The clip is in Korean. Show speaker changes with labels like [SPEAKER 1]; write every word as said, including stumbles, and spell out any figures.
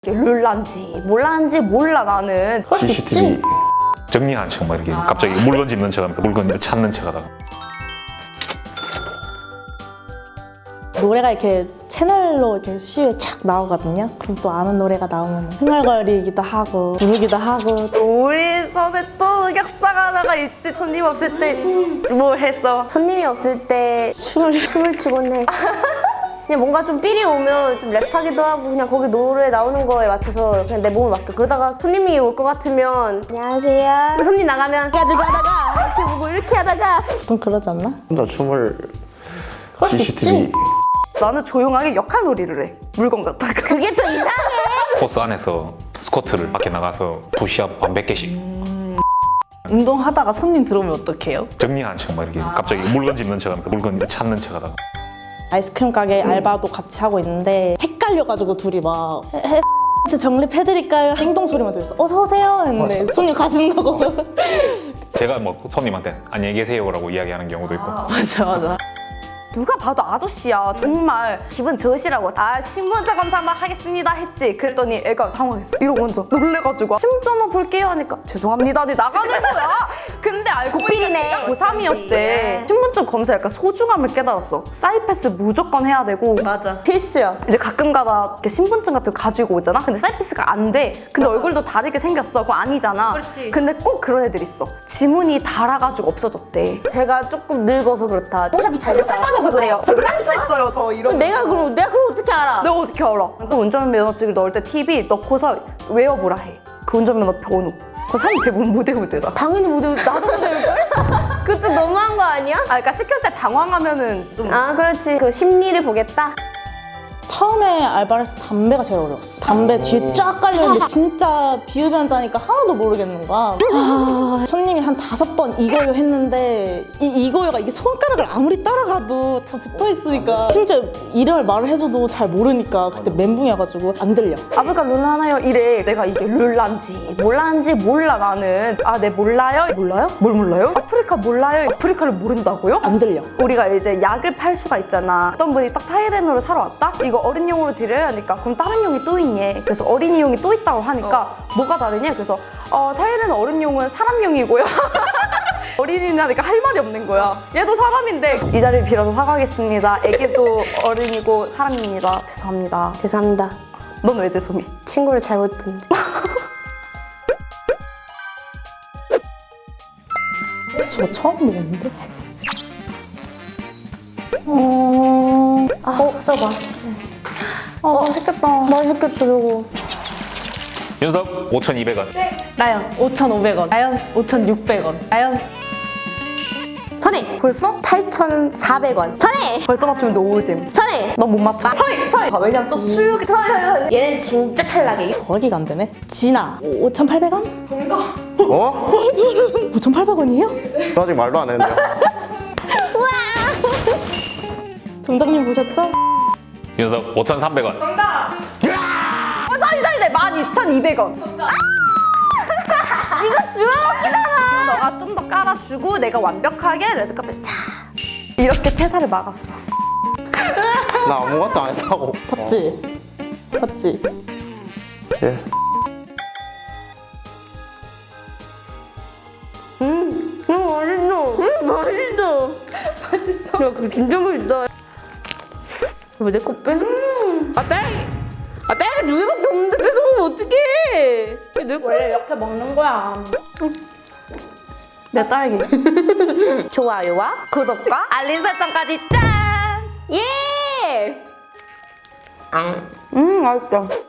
[SPEAKER 1] 이게 룰란지 몰란지 몰라 나는. 그럴 수 있지.
[SPEAKER 2] 정리하는 척 막 이렇게 갑자기 물건 집는 척하면서 물건 찾는 척하다가
[SPEAKER 3] 노래가 이렇게 채널로 이렇게 시위에 착 나오거든요. 그럼 또 아는 노래가 나오면 흥얼거리기도 하고 부르기도 하고.
[SPEAKER 1] 우리 손에 또 흑역사가 하나가 있지. 손님 없을 때 뭐 했어?
[SPEAKER 4] 손님이 없을 때 춤을 춤을 추곤 해. 그냥 뭔가 좀 삘이 오면 좀 랩하기도 하고 그냥 거기 노래 나오는 거에 맞춰서 그냥 내 몸을 맡겨. 그러다가 손님이 올 것 같으면 안녕하세요. 손님 나가면 가지고 하다가 이렇게 보고 이렇게 하다가
[SPEAKER 3] 보통 그러지 않나?
[SPEAKER 5] 나 춤을
[SPEAKER 1] 그럴 수
[SPEAKER 5] 씨씨티비
[SPEAKER 1] 있지. 나는 조용하게 역할놀이를 해. 물건 갖다가.
[SPEAKER 4] 그게 또 이상해.
[SPEAKER 2] 코스 안에서 스쿼트를 밖에 나가서 푸시업 한 백 개씩
[SPEAKER 3] 운동하다가 손님 들어오면 어떡해요?
[SPEAKER 2] 정리하는 척 막 이렇게 갑자기 물건 집는 척하면서 물건 찾는 척하다가
[SPEAKER 3] 아이스크림 가게 알바도 같이 하고 있는데 헷갈려가지고 둘이 막 해- 해- 정립해드릴까요? 행동 소리만 들렸어. 어서 오세요 했는데 손님 가신다고.
[SPEAKER 2] 제가 뭐 손님한테 안녕히 계세요라고 이야기하는 경우도 있고
[SPEAKER 3] 맞아 맞아.
[SPEAKER 1] 누가 봐도 아저씨야. 정말 기분 좋으시라고 아 신분증 검사 한번 하겠습니다 했지. 그랬더니 애가 당황했어. 이러고 먼저 놀래가지고 신분증 한번 볼게요 하니까 죄송합니다 네 나가는 거야. 근데 알고
[SPEAKER 4] 고필이네.
[SPEAKER 1] 고삼이었대. 신분증 검사 약간 소중함을 깨달았어. 사이패스 무조건 해야 되고
[SPEAKER 4] 맞아. 필수야.
[SPEAKER 1] 이제 가끔가다 이렇게 신분증 같은 거 가지고 오잖아. 근데 사이패스가 안 돼. 근데 얼굴도 다르게 생겼어. 그거 아니잖아.
[SPEAKER 4] 그렇지.
[SPEAKER 1] 근데 꼭 그런 애들 있어. 지문이 닳아가지고 없어졌대.
[SPEAKER 4] 제가 조금 늙어서 그렇다. 뽀샵이 잘 돼서.
[SPEAKER 1] 그래서 그래요. 쌍수 있어요 저 이런.
[SPEAKER 4] 내가 그럼 내가 그럼 어떻게 알아?
[SPEAKER 1] 내가 어떻게 알아? 또 운전면허증을 넣을 때 팁이 넣고서 외워보라 해. 그 운전면허 번호. 그 사람이 대부분 못 외우더라.
[SPEAKER 4] 당연히 못 외울. 나도 못 외울걸? 그거 좀 너무한 거 아니야?
[SPEAKER 1] 아, 그러니까 시켰을 때 당황하면은 좀.
[SPEAKER 4] 아 그렇지. 그 심리를 보겠다.
[SPEAKER 3] 처음에 알바를 해서 담배가 제일 어려웠어. 담배 뒤에 쫙 깔려있는데 진짜 비흡연자니까 하나도 모르겠는 거야. 아, 손님이 한 다섯 번 이거요 했는데 이 이거요가 이게 손가락을 아무리 따라가도 다 붙어있으니까 심지어 이름을 말을 해줘도 잘 모르니까 그때 멘붕이어가지고 안 들려.
[SPEAKER 1] 아프리카 룰 하나요? 이래. 내가 이게 룰란지 몰란지 몰라 나는. 아, 네 몰라요? 몰라요? 뭘 몰라요? 아프리카 몰라요? 아프리카를 모른다고요?
[SPEAKER 3] 안 들려.
[SPEAKER 1] 우리가 이제 약을 팔 수가 있잖아. 어떤 분이 딱 타이레놀을 사러 왔다? 이거 어린이용으로 드려야 하니까 그럼 다른 용이 또 있니? 그래서 어린이용이 또 있다고 하니까 뭐가 다르냐? 그래서 어, 타이레놀 어린이용은 사람용이고요. 어린이는 하니까 할 말이 없는 거야. 얘도 사람인데. 이 자리를 빌어서 사과하겠습니다. 애기도 어른이고 사람입니다. 죄송합니다.
[SPEAKER 4] 죄송합니다.
[SPEAKER 1] 넌 왜 죄송해?
[SPEAKER 4] 친구를 잘못 둔지.
[SPEAKER 3] 저 처음 먹었는데? 어...
[SPEAKER 4] 어, 저거 맛있지.
[SPEAKER 1] 어, 맛있겠다.
[SPEAKER 4] 맛있겠다 저거.
[SPEAKER 2] 연석 오천이백 원
[SPEAKER 3] 나연 오천오백 원. 나연 오천육백 원. 나연
[SPEAKER 4] 선혜.
[SPEAKER 1] 벌써?
[SPEAKER 4] 팔천사백 원. 선혜.
[SPEAKER 1] 벌써 맞추면 노잼.
[SPEAKER 4] 선혜.
[SPEAKER 1] 넌 못 맞춰. 서희! 서희! 아, 왜냐면 또 수육이 서희 서희 서희.
[SPEAKER 4] 얘는 진짜 탈락이에요.
[SPEAKER 3] 더하기가 안 되네. 진아 오천팔백 원?
[SPEAKER 5] 어?
[SPEAKER 3] 오천팔백 원이에요?
[SPEAKER 5] 너 아직 말도 안 했는데.
[SPEAKER 3] 점장님 보셨죠?
[SPEAKER 2] 연석 오천삼백 원
[SPEAKER 1] 어, 서희 서희 네 만 이천이백 원. 정답. 이거 주워먹기잖아. 너가 좀 더 깔아주고 내가 완벽하게 레드카펫 차 이렇게 퇴사를 막았어.
[SPEAKER 5] 나 아무것도 안 했다고.
[SPEAKER 3] 봤지? 봤지?
[SPEAKER 5] 예.
[SPEAKER 4] 음, 맛있어. 음, 맛있어.
[SPEAKER 1] 맛있어.
[SPEAKER 4] 야, 그거 진짜 맛있다. 왜 내 거 뺏어? 아, 딸! 아, 딸기 두 개밖에 없는데 뺏어먹으면 어떡해! 내 거.
[SPEAKER 1] 원래 이렇게 먹는 거야. 내 딸기.
[SPEAKER 4] 좋아요와
[SPEAKER 1] 구독과 알림 설정까지 짠!
[SPEAKER 4] 예! 앙.
[SPEAKER 1] 음 맛있다.